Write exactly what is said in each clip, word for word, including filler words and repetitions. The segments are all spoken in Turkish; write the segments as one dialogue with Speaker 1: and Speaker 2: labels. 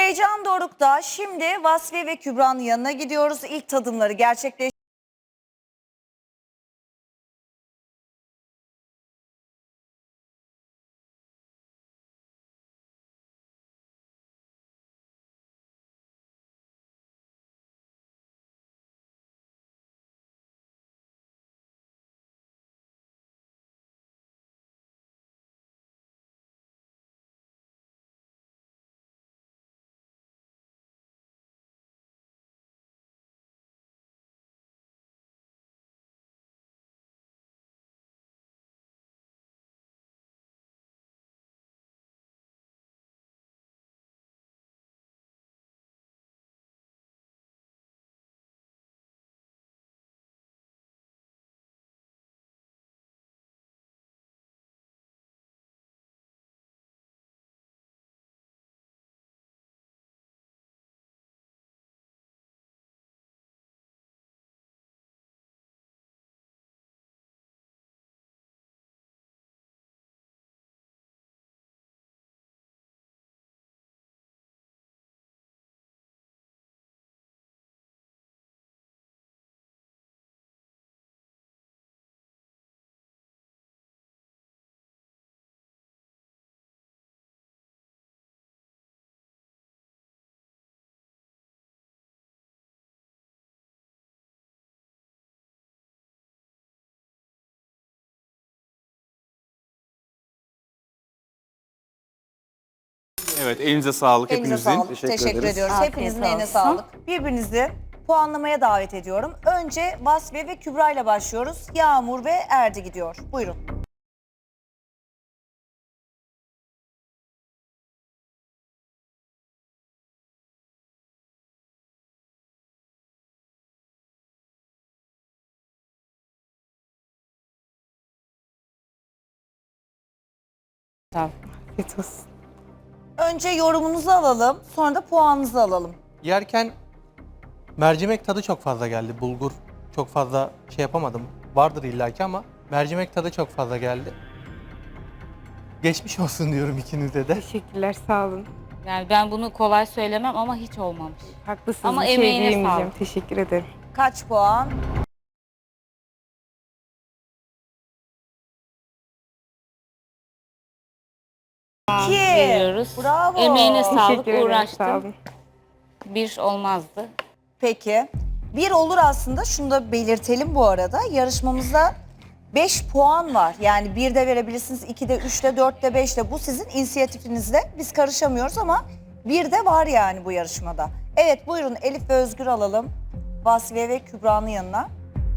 Speaker 1: Heyecan dorukta. Şimdi Vasfiye ve Kübra'nın yanına gidiyoruz. İlk tadımları gerçekleştireceğiz.
Speaker 2: Evet, elinize sağlık
Speaker 1: Elinize
Speaker 2: hepinizin.
Speaker 1: sağlık.
Speaker 3: Teşekkür
Speaker 1: Teşekkür,
Speaker 3: ederiz.
Speaker 1: ediyoruz.
Speaker 4: Afiyet
Speaker 1: Hepinizin eline
Speaker 4: olsun.
Speaker 1: sağlık. Birbirinizi puanlamaya davet ediyorum. Önce Vasfiye ve Kübra ile başlıyoruz. Yağmur ve Erdi gidiyor. Buyurun.
Speaker 4: Afiyet olsun.
Speaker 1: Önce yorumunuzu alalım. Sonra da puanınızı alalım.
Speaker 5: Yerken mercimek tadı çok fazla geldi. Bulgur çok fazla şey yapamadım. Vardır illaki ama mercimek tadı çok fazla geldi. Geçmiş olsun diyorum ikinize de.
Speaker 4: Teşekkürler, sağ olun.
Speaker 6: Yani ben bunu kolay söylemem ama hiç olmamış.
Speaker 4: Haklısınız,
Speaker 6: Ama
Speaker 4: bir şey
Speaker 6: emeğine
Speaker 4: diyemeyeceğim.
Speaker 6: sağlık.
Speaker 4: Teşekkür ederim.
Speaker 1: Kaç puan? İki.
Speaker 6: Veriyoruz.
Speaker 1: Bravo.
Speaker 6: Emeğine sağlık,
Speaker 4: Teşekkür ederim, sağ
Speaker 6: uğraştım.
Speaker 4: olun.
Speaker 6: Bir olmazdı.
Speaker 1: Peki. Bir olur aslında. Şunu da belirtelim bu arada. Yarışmamızda beş puan var. Yani bir de verebilirsiniz, iki de, üç de, dört de, beş de. Bu sizin inisiyatifinizde. Biz karışamıyoruz ama bir de var yani bu yarışmada. Evet, buyurun Elif ve Özgür alalım. Vasfiye ve Kübra'nın yanına.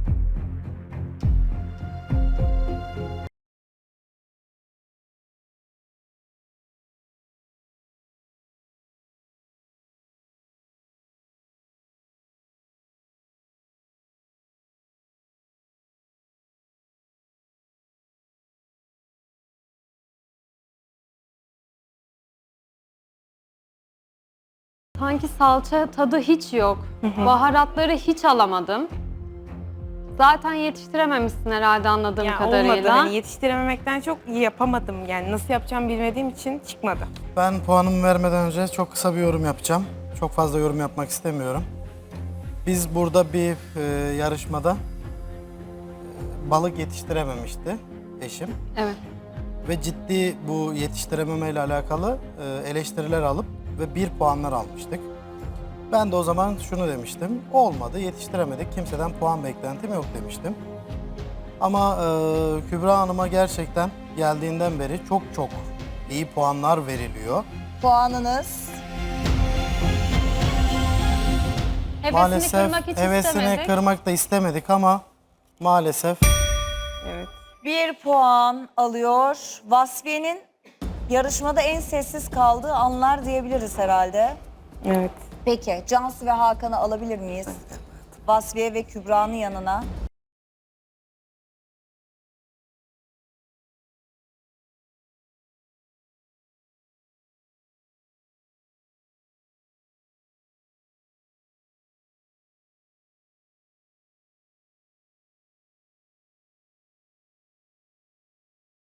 Speaker 7: Sanki salça tadı hiç yok. Baharatları hiç alamadım. Zaten yetiştirememişsin herhalde anladığım
Speaker 4: Ya
Speaker 7: kadarıyla.
Speaker 4: olmadı, hani yetiştirememekten çok iyi yapamadım. Yani nasıl yapacağımı bilmediğim için çıkmadı.
Speaker 3: Ben puanımı vermeden önce çok kısa bir yorum yapacağım. Çok fazla yorum yapmak istemiyorum. Biz burada bir e, yarışmada e, balık yetiştirememişti eşim.
Speaker 7: Evet.
Speaker 3: Ve ciddi bu yetiştirememe ile alakalı e, eleştiriler alıp ve bir puanlar almıştık. Ben de o zaman şunu demiştim. Olmadı, yetiştiremedik. Kimseden puan beklentim yok demiştim. Ama e, Kübra Hanım'a gerçekten geldiğinden beri çok çok iyi puanlar veriliyor.
Speaker 1: Puanınız
Speaker 7: Hevesini
Speaker 3: Maalesef
Speaker 7: kırmak hiç
Speaker 3: hevesini
Speaker 7: istemedik.
Speaker 3: kırmak da istemedik ama maalesef
Speaker 4: Evet.
Speaker 1: bir puan alıyor. Vasfiye'nin yarışmada en sessiz kaldığı anlar diyebiliriz herhalde.
Speaker 4: Evet.
Speaker 1: Peki Cansu ve Hakan'ı alabilir miyiz? Vasfiye ve Kübra'nın yanına.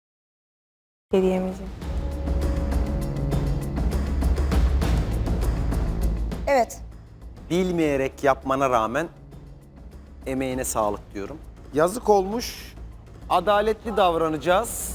Speaker 4: Bir şey diyemeyeceğim.
Speaker 1: Evet.
Speaker 8: Bilmeyerek yapmana rağmen emeğine sağlık diyorum. Yazık olmuş. Adaletli davranacağız.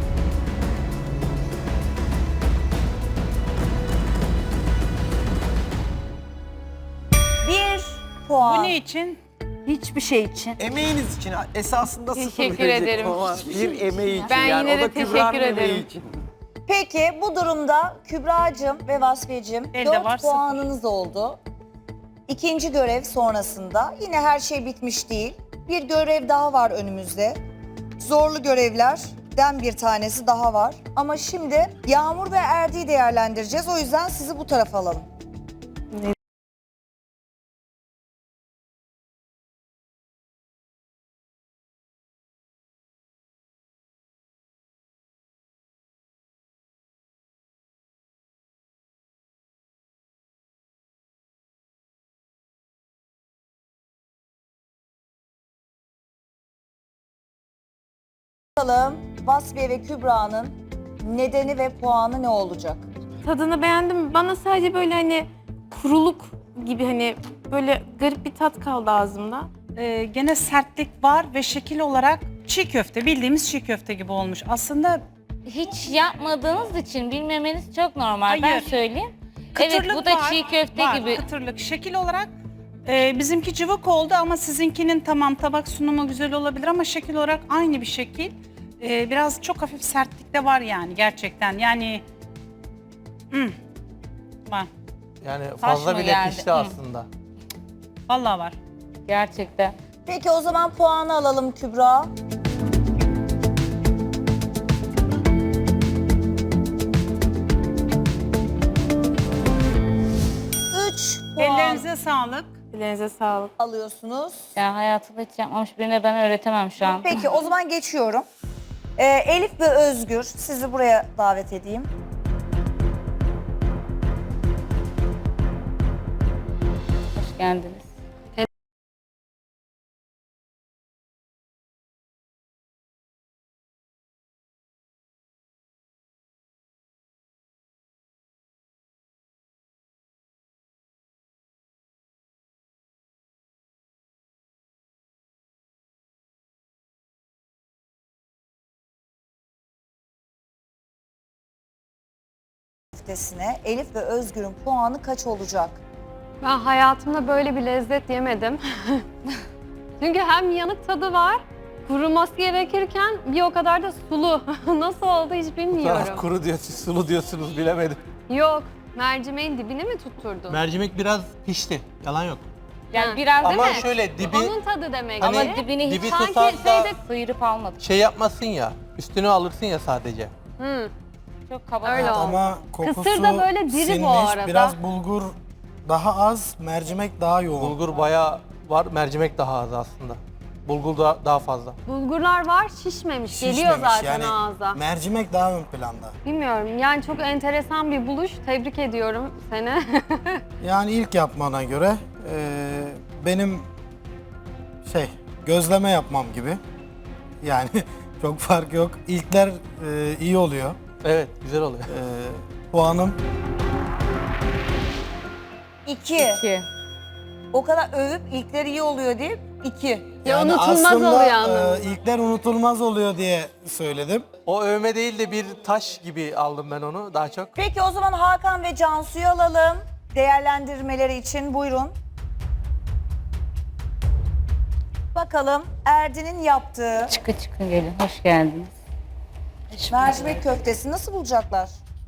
Speaker 1: Bir puan.
Speaker 9: Bu ne için?
Speaker 10: Hiçbir şey için.
Speaker 8: Emeğiniz için esasında sıfır
Speaker 4: Teşekkür
Speaker 8: verecektim
Speaker 4: ederim.
Speaker 8: ama bir emeği için.
Speaker 4: Ben
Speaker 8: yani
Speaker 4: yine
Speaker 8: o da
Speaker 4: de teşekkür
Speaker 8: Kübra'nın emeği
Speaker 4: ederim.
Speaker 8: için.
Speaker 1: Peki bu durumda Kübra'cığım ve Vasfiye'cim
Speaker 9: Elde
Speaker 1: dört
Speaker 9: var, sıfır.
Speaker 1: puanınız oldu. İkinci görev sonrasında yine her şey bitmiş değil. Bir görev daha var önümüzde. Zorlu görevlerden bir tanesi daha var. Ama şimdi Yağmur ve Erdi'yi değerlendireceğiz. O yüzden sizi bu tarafa alalım. Bakalım Vasfiye ve Kübra'nın nedeni ve puanı ne olacak?
Speaker 4: Tadını beğendim. Bana sadece böyle hani kuruluk gibi hani böyle garip bir tat kaldı ağzımda.
Speaker 9: Ee, gene sertlik var ve şekil olarak çiğ köfte, bildiğimiz çiğ köfte gibi olmuş. Aslında
Speaker 6: Hiç yapmadığınız için bilmemeniz çok normal. Ben
Speaker 9: Hayır.
Speaker 6: söyleyeyim.
Speaker 9: kıtırlık
Speaker 6: Evet, bu da
Speaker 9: var,
Speaker 6: çiğ köfte
Speaker 9: var,
Speaker 6: gibi.
Speaker 9: Kıtırlık. Şekil olarak e, bizimki cıvık oldu ama sizinkinin tamam tabak sunumu güzel olabilir ama şekil olarak aynı bir şekil. E, biraz çok hafif sertlik de var yani gerçekten. Yani hmm, var.
Speaker 5: Yani
Speaker 6: Taş
Speaker 5: fazla
Speaker 6: mı
Speaker 5: bile
Speaker 6: geldi?
Speaker 5: pişti
Speaker 6: Hı.
Speaker 5: aslında.
Speaker 9: Vallahi var.
Speaker 6: Gerçekten.
Speaker 1: Peki o zaman puanı alalım Kübra. Üç puan
Speaker 9: Ellerinize sağlık.
Speaker 4: Ellerinize sağlık.
Speaker 1: alıyorsunuz.
Speaker 6: Ya hayatımda hiç yapmamış birine ben öğretemem şu an.
Speaker 1: Peki o zaman geçiyorum. Ee, Elif ve Özgür sizi buraya davet edeyim.
Speaker 6: Hoş geldiniz.
Speaker 1: Köftesine Elif ve Özgür'ün puanı kaç olacak?
Speaker 7: Ben hayatımda böyle bir lezzet yemedim. Çünkü hem yanık tadı var, kuruması gerekirken bir o kadar da sulu. Nasıl oldu hiç bilmiyorum.
Speaker 5: Kuru diyorsunuz, sulu diyorsunuz bilemedim.
Speaker 7: Yok, mercimeğin dibini mi tutturdun?
Speaker 5: Mercimek biraz pişti. Yalan yok.
Speaker 6: Yani
Speaker 7: Ha.
Speaker 6: biraz
Speaker 5: Ama
Speaker 6: değil mi?
Speaker 5: şöyle dibi
Speaker 7: Onun tadı demek
Speaker 5: Hani-
Speaker 7: ki.
Speaker 6: Ama dibini hiç
Speaker 5: dibi
Speaker 7: sanki
Speaker 5: tutarsa
Speaker 7: şeyde-
Speaker 6: sıyırıp almadım.
Speaker 5: şey yapmasın ya. Üstünü alırsın ya sadece.
Speaker 7: Hı.
Speaker 6: Çok kaba.
Speaker 7: Öyle oldu.
Speaker 3: Ama kokusu
Speaker 7: Kısır da böyle diri bu
Speaker 3: sinmiş,
Speaker 7: arada.
Speaker 3: biraz bulgur daha az, mercimek daha yoğun.
Speaker 5: Bulgur bayağı var, mercimek daha az aslında. Bulgur da daha fazla.
Speaker 7: Bulgurlar var, şişmemiş. Geliyor
Speaker 3: Şişmemiş.
Speaker 7: zaten
Speaker 3: yani
Speaker 7: ağza.
Speaker 3: mercimek daha ön planda.
Speaker 7: Bilmiyorum, yani çok enteresan bir buluş. Tebrik ediyorum seni.
Speaker 3: Yani ilk yapmana göre eee, benim şey gözleme yapmam gibi. Yani çok fark yok. İlkler eee, iyi oluyor.
Speaker 5: Evet, güzel oluyor.
Speaker 3: Eee, puanım
Speaker 1: İki.
Speaker 6: İki.
Speaker 1: O kadar övüp ilkleri iyi oluyor deyip iki.
Speaker 7: Ya unutulmaz
Speaker 3: aslında,
Speaker 7: oluyor
Speaker 3: eee,
Speaker 7: anlamında.
Speaker 3: ilkler unutulmaz oluyor diye söyledim.
Speaker 5: O övme değil de bir taş gibi aldım ben onu daha çok.
Speaker 1: Peki o zaman Hakan ve Cansu'yu alalım. Değerlendirmeleri için buyurun. Bakalım Erdi'nin yaptığı
Speaker 6: Çıkın çıkın gelin. Hoş geldiniz.
Speaker 1: mercimek köftesi nasıl bulacaklar?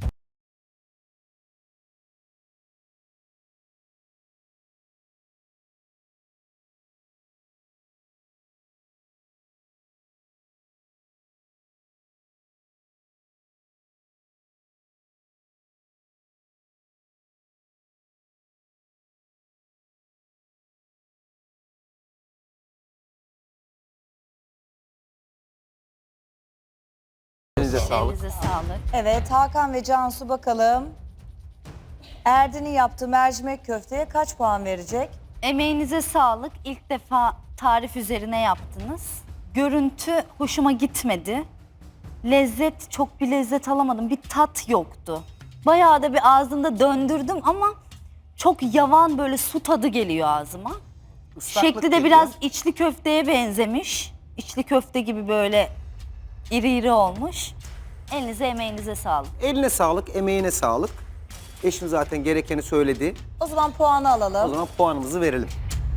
Speaker 8: Elinize sağlık.
Speaker 10: Elinize sağlık.
Speaker 1: Evet Hakan ve Cansu bakalım. Erdi'nin yaptığı mercimek köfteye kaç puan verecek?
Speaker 10: Emeğinize sağlık. İlk defa tarif üzerine yaptınız. Görüntü hoşuma gitmedi. Lezzet, çok bir lezzet alamadım. Bir tat yoktu. Bayağı da bir ağzımda döndürdüm ama çok yavan böyle su tadı geliyor ağzıma.
Speaker 8: Islaklık
Speaker 10: Şekli de
Speaker 8: geliyor.
Speaker 10: biraz içli köfteye benzemiş. İçli köfte gibi böyle iri iri olmuş. Elinize emeğinize sağlık.
Speaker 8: Eline sağlık, emeğine sağlık. Eşim zaten gerekeni söyledi.
Speaker 1: O zaman puanı
Speaker 8: O
Speaker 1: alalım.
Speaker 8: zaman puanımızı verelim.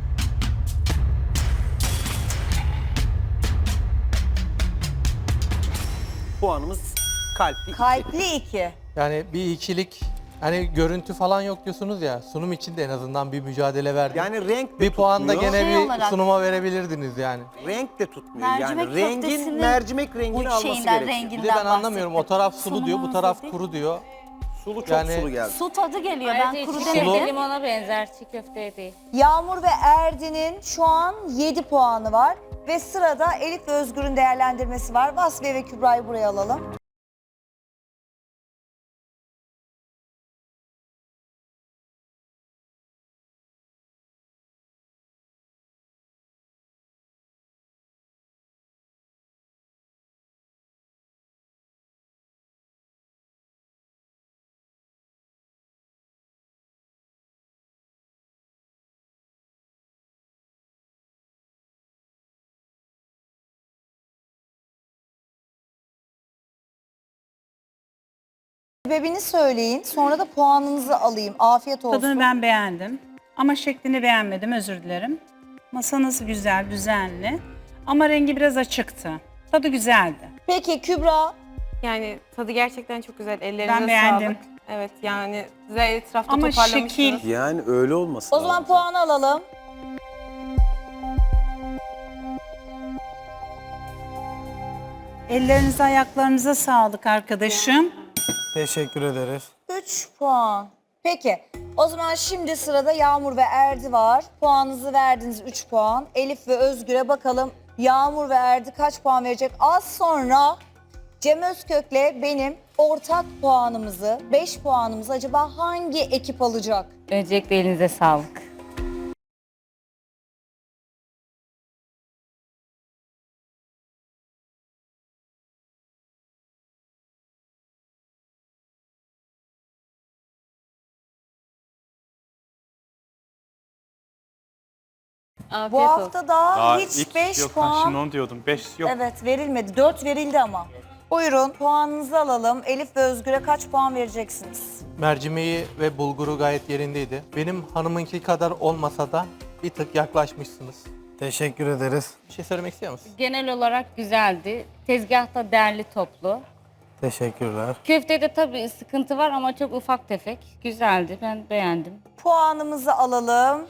Speaker 8: Puanımız kalpli.
Speaker 1: Kalpli iki.
Speaker 5: Yani bir ikilik, hani görüntü falan yok diyorsunuz ya, sunum için de en azından bir mücadele verdim.
Speaker 8: Yani renk de
Speaker 5: bir puan da
Speaker 8: tutmuyor.
Speaker 5: gene
Speaker 10: Şey
Speaker 5: bir
Speaker 10: olarak-
Speaker 5: sunuma verebilirdiniz yani.
Speaker 8: Renk de tutmuyor.
Speaker 10: Mercimek
Speaker 8: yani rengin
Speaker 10: köftesinin
Speaker 8: mercimek rengini
Speaker 10: bu
Speaker 8: alması
Speaker 10: şeyinden,
Speaker 8: gerekiyor.
Speaker 10: renginden
Speaker 5: Bir de ben anlamıyorum, o taraf sulu
Speaker 10: Sunumu
Speaker 5: diyor, bu taraf
Speaker 10: hazır değil.
Speaker 5: kuru diyor.
Speaker 8: Sulu çok
Speaker 5: Yani-
Speaker 8: sulu geldi.
Speaker 10: Su tadı geliyor.
Speaker 6: Ayrıca
Speaker 10: Ben kuru
Speaker 6: içi köfte
Speaker 10: demedim.
Speaker 6: limona benzer, çiğ köfteye değil.
Speaker 1: Yağmur ve Erdin'in şu an yedi puanı var. Ve sırada Elif ve Özgür'ün değerlendirmesi var. Vasfiye ve Kübra'yı buraya alalım. Sebebini söyleyin. Sonra da puanınızı alayım. Afiyet olsun.
Speaker 9: Tadını ben beğendim. Ama şeklini beğenmedim, özür dilerim. Masanız güzel, düzenli. Ama rengi biraz açıktı. Tadı güzeldi.
Speaker 1: Peki Kübra,
Speaker 4: Yani tadı gerçekten çok güzel. Ellerinize
Speaker 9: Ben beğendim.
Speaker 4: sağlık. Evet yani güzel etrafta
Speaker 9: Ama
Speaker 4: toparlamışsınız.
Speaker 9: şekil-
Speaker 8: Yani öyle olmasın.
Speaker 1: o zaman puanı alalım.
Speaker 9: Ellerinize, ayaklarınıza sağlık arkadaşım.
Speaker 3: Teşekkür ederiz.
Speaker 1: üç puan. Peki. O zaman şimdi sırada Yağmur ve Erdi var. Puanınızı verdiniz üç puan. Elif ve Özgür'e bakalım Yağmur ve Erdi kaç puan verecek? Az sonra Cem Özkök'le benim ortak puanımızı, beş puanımızı acaba hangi ekip alacak?
Speaker 6: Öncelikle elinize sağlık.
Speaker 4: Afiyet
Speaker 1: Bu
Speaker 4: olsun.
Speaker 1: hafta daha,
Speaker 2: Daha
Speaker 1: hiç
Speaker 2: ilk
Speaker 1: beş
Speaker 2: yok,
Speaker 1: puan.
Speaker 2: şimdi onu diyordum. beş yok.
Speaker 1: Evet verilmedi. dört verildi ama. Buyurun puanınızı alalım. Elif ve Özgür'e kaç puan vereceksiniz?
Speaker 5: Mercimeği ve bulguru gayet yerindeydi. Benim hanımınki kadar olmasa da bir tık yaklaşmışsınız.
Speaker 3: Teşekkür ederiz.
Speaker 5: Bir şey söylemek istiyor musun?
Speaker 6: Genel olarak güzeldi. Tezgahta derli toplu.
Speaker 3: Teşekkürler.
Speaker 6: Köftede tabii sıkıntı var ama çok ufak tefek. Güzeldi, ben beğendim.
Speaker 1: Puanımızı alalım.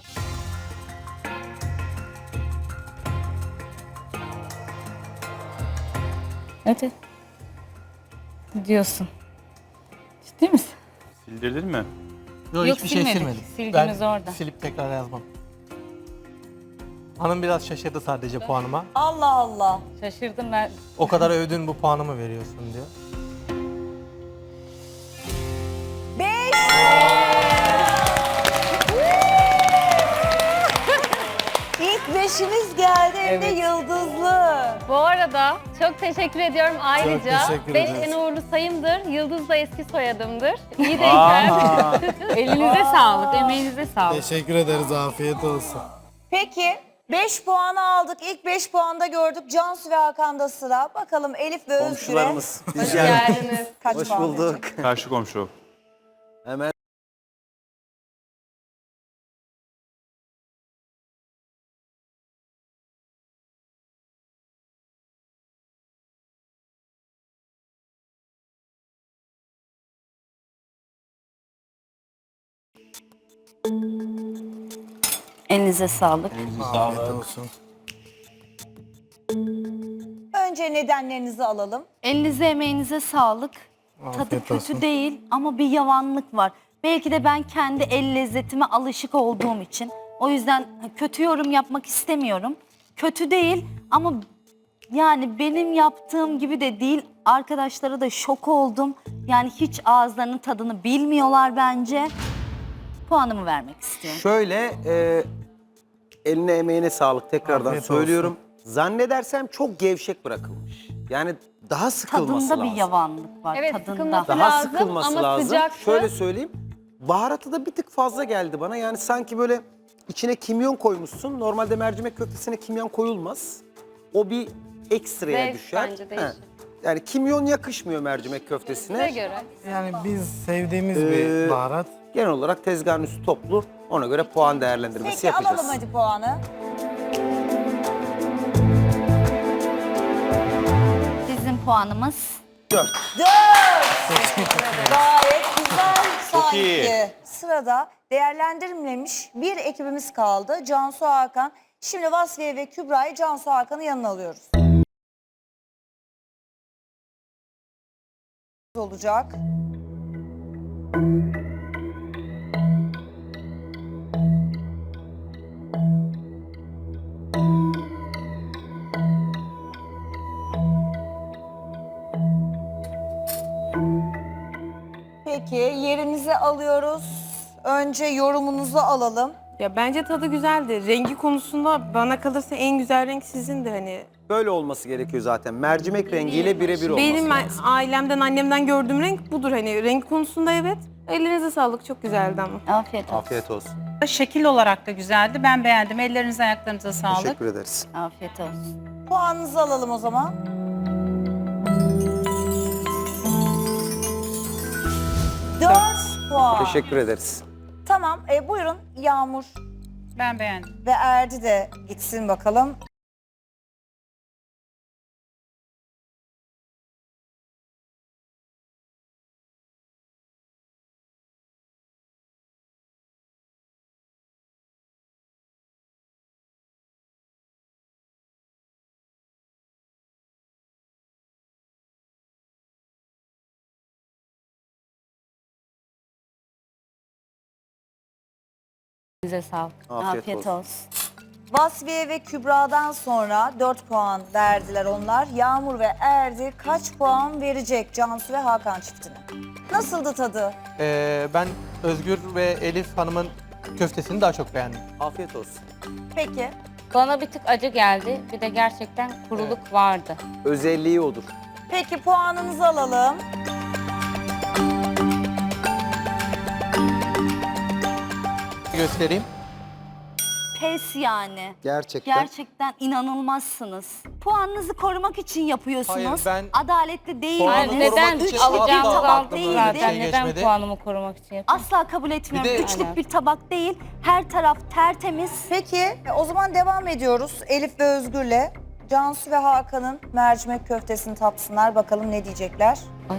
Speaker 6: Evet. Diyorsun. Ciddi misin?
Speaker 2: Sildirdin mi?
Speaker 5: Yok,
Speaker 6: Yok,
Speaker 5: hiçbir şey
Speaker 6: silmedik.
Speaker 5: silmedim.
Speaker 6: Silgimiz
Speaker 5: ben
Speaker 6: orada.
Speaker 5: silip tekrar yazmam. Hanım biraz şaşırdı sadece puanıma.
Speaker 1: Allah Allah.
Speaker 6: Şaşırdım ben.
Speaker 5: O kadar övdün, bu puanımı veriyorsun diyor.
Speaker 1: Beş. İlk beşiniz geldi hem de
Speaker 6: Evet.
Speaker 1: yıldızlı.
Speaker 7: Bu arada çok teşekkür ediyorum ayrıca.
Speaker 3: teşekkür
Speaker 7: Beş
Speaker 3: ederiz.
Speaker 7: en uğurlu sayımdır. Yıldız da eski soyadımdır. İyi denk geldi.
Speaker 6: Elinize sağlık, emeğinize sağlık.
Speaker 3: Teşekkür ederiz. Afiyet olsun.
Speaker 1: Peki beş puanı aldık. İlk beş puanda gördük. Cansu ve Hakan'da sıra. Bakalım Elif ve Özgür'e
Speaker 8: Komşularımız. Biz
Speaker 6: Hoş
Speaker 8: geldik.
Speaker 6: geldiniz.
Speaker 1: kaç
Speaker 8: Hoş
Speaker 1: puan
Speaker 8: bulduk.
Speaker 1: verecek?
Speaker 2: Karşı komşu.
Speaker 8: Hemen
Speaker 10: Elinize sağlık.
Speaker 3: Afiyet olsun.
Speaker 1: Önce nedenlerinizi alalım.
Speaker 10: Elinize emeğinize sağlık. Tadı
Speaker 3: Afiyet
Speaker 10: kötü
Speaker 3: olsun.
Speaker 10: değil ama bir yavanlık var. Belki de ben kendi el lezzetime alışık olduğum için. O yüzden kötü yorum yapmak istemiyorum. Kötü değil ama yani benim yaptığım gibi de değil. Arkadaşlara da şok oldum. Yani hiç ağızlarının tadını bilmiyorlar bence. Puanımı vermek istiyorum.
Speaker 8: şöyle e, eline emeğine sağlık tekrardan
Speaker 3: Afiyet
Speaker 8: söylüyorum. Zannedersem çok gevşek bırakılmış. Yani daha sıkılması
Speaker 10: Tadında
Speaker 8: lazım.
Speaker 10: bir yavanlık var.
Speaker 7: Evet,
Speaker 10: tadında.
Speaker 7: sıkılması
Speaker 8: Daha
Speaker 7: lazım
Speaker 8: sıkılması
Speaker 7: ama
Speaker 8: lazım.
Speaker 7: sıcaktı.
Speaker 8: Şöyle söyleyeyim. Baharatı da bir tık fazla geldi bana. Yani sanki böyle içine kimyon koymuşsun. Normalde mercimek köftesine kimyon koyulmaz. O bir ekstraya
Speaker 7: Zevk
Speaker 8: düşer.
Speaker 7: bence değişir.
Speaker 8: Yani kimyon yakışmıyor mercimek köftesine.
Speaker 7: Size göre.
Speaker 3: Yani biz sevdiğimiz
Speaker 8: Ee,
Speaker 3: bir baharat.
Speaker 8: Genel olarak tezgahın üstü toplu. Ona göre puan değerlendirmesi
Speaker 1: Peki
Speaker 8: yapacağız.
Speaker 1: alalım hadi puanı.
Speaker 10: Bizim puanımız
Speaker 8: Dört.
Speaker 1: Dört. Gayet güzel
Speaker 2: Çok
Speaker 1: sanki.
Speaker 2: iyi.
Speaker 1: Sırada değerlendirilmemiş bir ekibimiz kaldı. Cansu Hakan. Şimdi Vasfiye ve Kübra'yı Cansu Hakan'ın yanına alıyoruz. Olacak. Peki yerinize alıyoruz. Önce yorumunuzu alalım.
Speaker 4: Ya bence tadı güzeldi. Rengi konusunda bana kalırsa en güzel renk sizindi hani.
Speaker 8: Böyle olması gerekiyor zaten. Mercimek rengiyle birebir olması
Speaker 4: Benim
Speaker 8: lazım.
Speaker 4: ailemden, annemden gördüğüm renk budur hani. Renk konusunda evet. Ellerinize sağlık. Çok güzeldi ama.
Speaker 10: afiyet olsun.
Speaker 8: Afiyet olsun.
Speaker 9: Şekil olarak da güzeldi. Ben beğendim. Ellerinize ayaklarınıza sağlık.
Speaker 8: Teşekkür ederiz.
Speaker 10: Afiyet olsun.
Speaker 1: Puanınızı alalım o zaman. Dört puan.
Speaker 8: Teşekkür ederiz.
Speaker 1: Tamam, e, buyurun Yağmur
Speaker 9: Ben beğendim.
Speaker 1: ve Erdi de gitsin bakalım.
Speaker 6: Size sağlık.
Speaker 8: Afiyet,
Speaker 10: Afiyet
Speaker 8: olsun.
Speaker 10: olsun.
Speaker 1: Vasfiye ve Kübra'dan sonra dört puan verdiler onlar. Yağmur ve Erdi kaç puan verecek Cansu ve Hakan çiftine? Nasıldı tadı?
Speaker 5: Ee, ben Özgür ve Elif Hanım'ın köftesini daha çok beğendim.
Speaker 8: Afiyet olsun.
Speaker 1: Peki.
Speaker 6: Bana bir tık acı geldi. Bir de gerçekten kuruluk vardı.
Speaker 8: Özelliği odur.
Speaker 1: Peki puanınızı alalım.
Speaker 5: Göstereyim.
Speaker 10: Pes yani.
Speaker 8: Gerçekten.
Speaker 10: Gerçekten inanılmazsınız. Puanınızı korumak için yapıyorsunuz.
Speaker 5: Hayır, ben
Speaker 10: Adaletli değil.
Speaker 5: puanımı
Speaker 6: Hayır,
Speaker 5: korumak
Speaker 6: neden
Speaker 5: için
Speaker 6: alacağımızı
Speaker 5: asla
Speaker 10: tabak
Speaker 6: aldık
Speaker 10: değildi.
Speaker 6: zaten.
Speaker 5: Şey
Speaker 6: Neden
Speaker 5: geçmedi.
Speaker 6: puanımı korumak için yapıyorum?
Speaker 10: Asla kabul etmiyorum.
Speaker 5: Bir de-
Speaker 10: Üçlük
Speaker 6: Aynen.
Speaker 10: bir tabak değil. Her taraf tertemiz.
Speaker 1: Peki e, o zaman devam ediyoruz Elif ve Özgür'le. Cansu ve Hakan'ın mercimek köftesini tatsınlar. Bakalım ne diyecekler.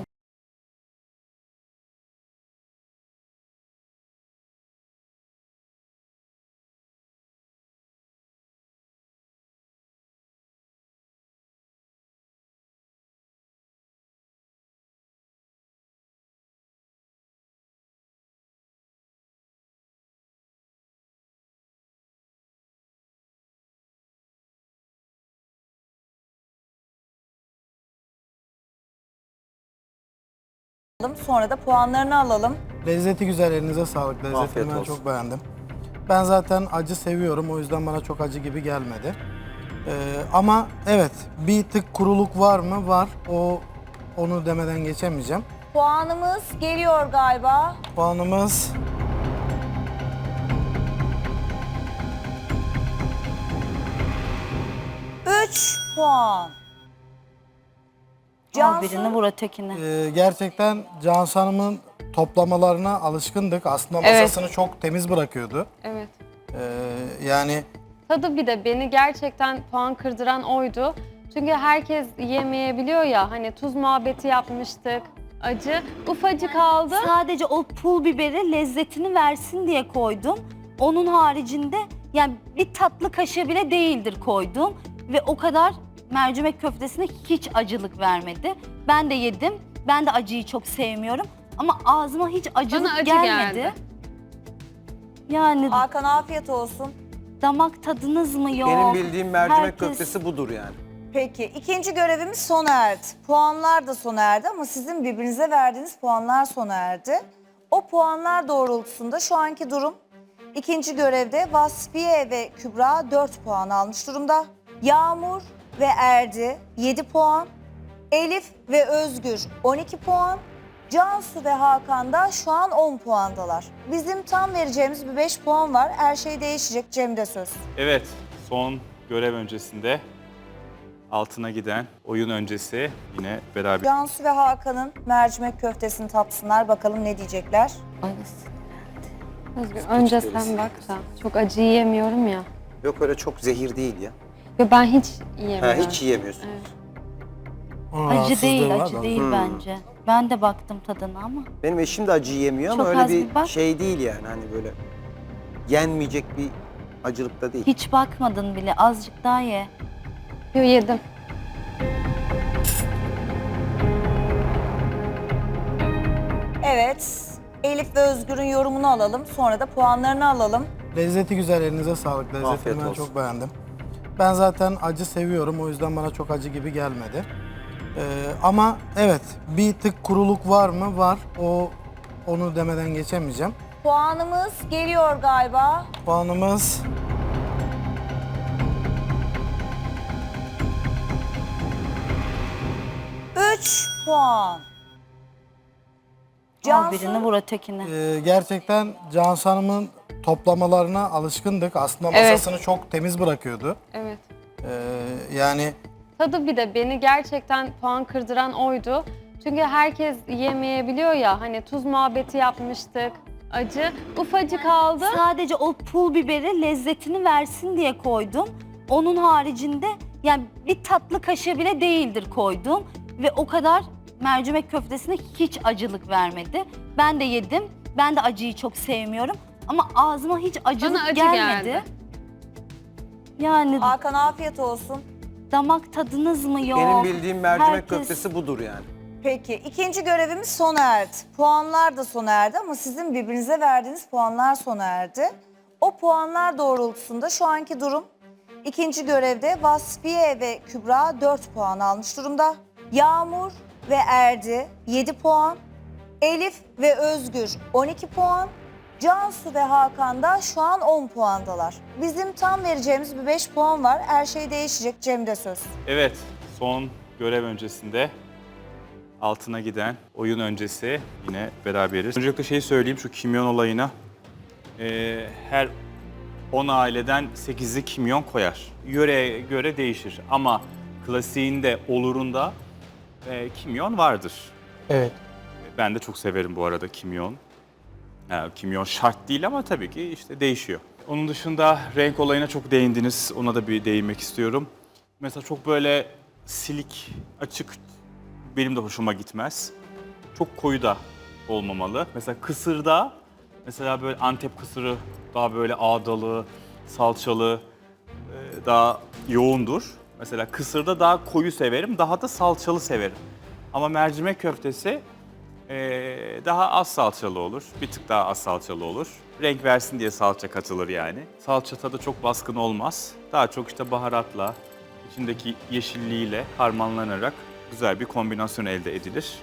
Speaker 1: Sonra da puanlarını alalım.
Speaker 3: Lezzeti güzel, elinize sağlık. Lezzetini
Speaker 8: Afiyet
Speaker 3: ben
Speaker 8: olsun.
Speaker 3: çok beğendim. Ben zaten acı seviyorum, o yüzden bana çok acı gibi gelmedi. Ee, ama evet, bir tık kuruluk var mı? Var. O onu demeden geçemeyeceğim.
Speaker 1: Puanımız geliyor galiba.
Speaker 3: Puanımız
Speaker 1: üç puan.
Speaker 10: Al
Speaker 1: Cansu,
Speaker 10: birini vur ötekini.
Speaker 3: e, gerçekten Cansu Hanım'ın toplamalarına alışkındık. Aslında
Speaker 7: Evet.
Speaker 3: masasını çok temiz bırakıyordu.
Speaker 7: Evet.
Speaker 3: Ee, yani
Speaker 7: Tadı bir de beni gerçekten puan kırdıran oydu. Çünkü herkes yemeyebiliyor ya, hani tuz muhabbeti yapmıştık, acı. Ufacık aldı.
Speaker 10: Sadece o pul biberi lezzetini versin diye koydum. Onun haricinde yani bir tatlı kaşığı bile değildir koydum. Ve o kadar mercimek köftesine hiç acılık vermedi. Ben de yedim. Ben de acıyı çok sevmiyorum. Ama ağzıma hiç acılık
Speaker 7: Bana acı
Speaker 10: gelmedi.
Speaker 7: geldi.
Speaker 10: Yani
Speaker 1: Hakan afiyet olsun.
Speaker 10: damak tadınız mı yok?
Speaker 8: Benim bildiğim mercimek
Speaker 10: Herkes-
Speaker 8: köftesi budur yani.
Speaker 1: Peki ikinci görevimiz sona erdi. Puanlar da sona erdi ama sizin birbirinize verdiğiniz puanlar sona erdi. O puanlar doğrultusunda şu anki durum ikinci görevde Vasfiye ve Kübra dört puan almış durumda. Yağmur ve Erdi yedi puan. Elif ve Özgür on iki puan. Cansu ve Hakan da şu an on puandalar. Bizim tam vereceğimiz bir beş puan var. Her şey değişecek. Cem'de söz.
Speaker 2: Evet, son görev öncesinde altına giden oyun öncesi yine beraber.
Speaker 1: Cansu ve Hakan'ın mercimek köftesini tatsınlar. Bakalım ne diyecekler.
Speaker 7: Özgür önce sen bak da. Çok acı yiyemiyorum ya.
Speaker 8: Yok öyle çok zehir değil ya.
Speaker 7: Yo, ben hiç
Speaker 8: Ha,
Speaker 7: yiyemiyorum.
Speaker 8: hiç yiyemiyorsun.
Speaker 3: Onun
Speaker 10: Acı
Speaker 3: rahatsızlığı
Speaker 10: değil,
Speaker 3: var
Speaker 10: acı
Speaker 3: da.
Speaker 10: değil
Speaker 8: Hmm.
Speaker 10: bence. Ben de baktım tadına ama.
Speaker 8: Benim eşim de acı yemiyor ama
Speaker 10: Çok
Speaker 8: öyle
Speaker 10: az
Speaker 8: bir
Speaker 10: bir bak.
Speaker 8: şey değil yani hani böyle yenmeyecek bir acılıkta değil.
Speaker 10: Hiç bakmadın bile. Azıcık daha ye.
Speaker 7: Yo, yedim.
Speaker 1: Evet. Elif ve Özgür'ün yorumunu alalım. Sonra da puanlarını alalım.
Speaker 3: Lezzeti güzel, elinize sağlık. Lezzetini
Speaker 8: Afiyet
Speaker 3: ben
Speaker 8: olsun.
Speaker 3: çok beğendim. Ben zaten acı seviyorum, o yüzden bana çok acı gibi gelmedi. Ee, ama evet, bir tık kuruluk var mı? Var. O onu demeden geçemeyeceğim.
Speaker 1: Puanımız geliyor galiba.
Speaker 3: Puanımız
Speaker 1: üç puan.
Speaker 10: Al
Speaker 1: Cansu,
Speaker 10: birini vur ötekini.
Speaker 3: e, gerçekten Cansu Hanım'ın toplamalarına alışkındık. Aslında
Speaker 7: Evet.
Speaker 3: masasını çok temiz bırakıyordu.
Speaker 7: Evet.
Speaker 3: Ee, yani
Speaker 7: Tadı bir de beni gerçekten puan kırdıran oydu. Çünkü herkes yemeyebiliyor ya, hani tuz muhabbeti yapmıştık, acı. Ufacık aldı.
Speaker 10: Sadece o pul biberi lezzetini versin diye koydum. Onun haricinde yani bir tatlı kaşığı bile değildir koydum. Ve o kadar mercimek köftesine hiç acılık vermedi. Ben de yedim. Ben de acıyı çok sevmiyorum. Ama ağzıma hiç acılık
Speaker 7: Bana acı
Speaker 10: gelmedi.
Speaker 7: geldi.
Speaker 10: Yani
Speaker 1: Hakan afiyet olsun.
Speaker 10: damak tadınız mı yok?
Speaker 8: Benim bildiğim mercimek
Speaker 10: Herkes-
Speaker 8: köftesi budur yani.
Speaker 1: Peki ikinci görevimiz sona erdi. Puanlar da sona erdi ama sizin birbirinize verdiğiniz puanlar sona erdi. O puanlar doğrultusunda şu anki durum ikinci görevde Vasfiye ve Kübra dört puan almış durumda. Yağmur ve Erdi yedi puan. Elif ve Özgür on iki puan. Cansu ve Hakan da şu an on puandalar. Bizim tam vereceğimiz bir beş puan var. Her şey değişecek. Cem'de söz.
Speaker 2: Evet, son görev öncesinde altına giden oyun öncesi yine beraberiz. Öncelikle şeyi söyleyeyim şu kimyon olayına. Ee, her on aileden sekizi kimyon koyar. Yöreye göre değişir ama klasiğinde, olurunda e, kimyon vardır.
Speaker 5: Evet.
Speaker 2: Ben de çok severim bu arada kimyon. Ha, kimyon şart değil ama tabii ki işte değişiyor. Onun dışında renk olayına çok değindiniz. Ona da bir değinmek istiyorum. Mesela çok böyle silik, açık benim de hoşuma gitmez. Çok koyu da olmamalı. Mesela kısırda, mesela böyle Antep kısırı daha böyle ağdalı, salçalı, e, daha yoğundur. Mesela kısırda daha koyu severim, daha da salçalı severim. Ama mercimek köftesi Ee, daha az salçalı olur. Bir tık daha az salçalı olur. Renk versin diye salça katılır yani. Salça tadı çok baskın olmaz. Daha çok işte baharatla, içindeki yeşilliğiyle harmanlanarak güzel bir kombinasyon elde edilir.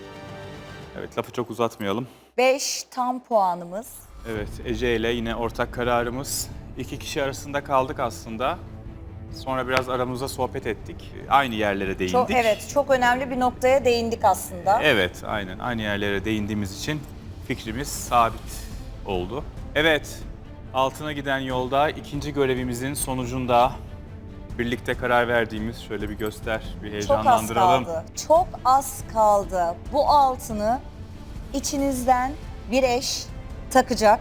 Speaker 2: Evet, lafı çok uzatmayalım.
Speaker 1: beş tam puanımız.
Speaker 2: Evet, Ece ile yine ortak kararımız. İki kişi arasında kaldık aslında. Sonra biraz aramızda sohbet ettik. Aynı yerlere değindik.
Speaker 1: Çok, evet, çok önemli bir noktaya değindik aslında.
Speaker 2: Evet, aynen. Aynı yerlere değindiğimiz için fikrimiz sabit oldu. Evet, altına giden yolda ikinci görevimizin sonucunda birlikte karar verdiğimiz, şöyle bir göster, bir
Speaker 1: Çok az
Speaker 2: heyecanlandıralım.
Speaker 1: kaldı. Çok az kaldı. Bu altını içinizden bir eş takacak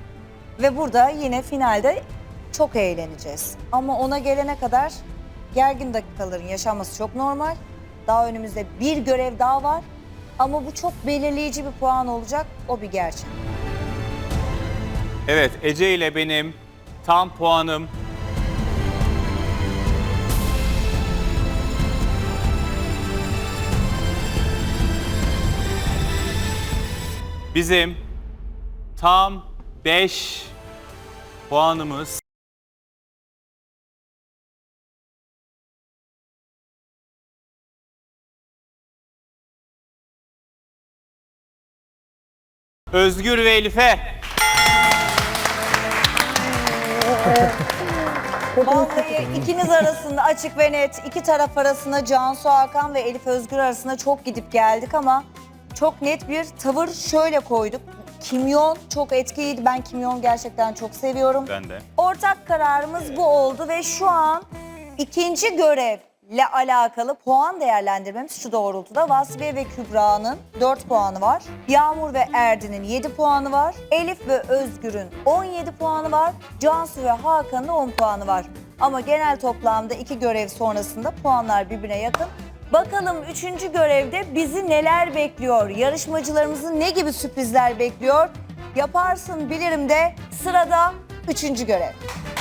Speaker 1: ve burada yine finalde çok eğleneceğiz. Ama ona gelene kadar gergin dakikaların yaşanması çok normal. Daha önümüzde bir görev daha var. Ama bu çok belirleyici bir puan olacak. O bir gerçek.
Speaker 2: Evet, Ece ile benim tam puanım bizim tam beş puanımız. Özgür ve Elif'e.
Speaker 1: Vallahi ikiniz arasında açık ve net, iki taraf arasında Cansu Hakan ve Elif Özgür arasında çok gidip geldik ama çok net bir tavır şöyle koyduk. Kimyon çok etkiliydi. Ben kimyon gerçekten çok seviyorum.
Speaker 2: Ben de.
Speaker 1: Ortak kararımız bu oldu ve şu an ikinci görevle alakalı puan değerlendirmemiz şu doğrultuda. Vasfiye ve Kübra'nın dört puanı var. Yağmur ve Erdin'in yedi puanı var. Elif ve Özgür'ün on yedi puanı var. Cansu ve Hakan'ın on puanı var. Ama genel toplamda iki görev sonrasında puanlar birbirine yakın. Bakalım üçüncü görevde bizi neler bekliyor? Yarışmacılarımızı ne gibi sürprizler bekliyor? Yaparsın bilirim de sırada üçüncü görev.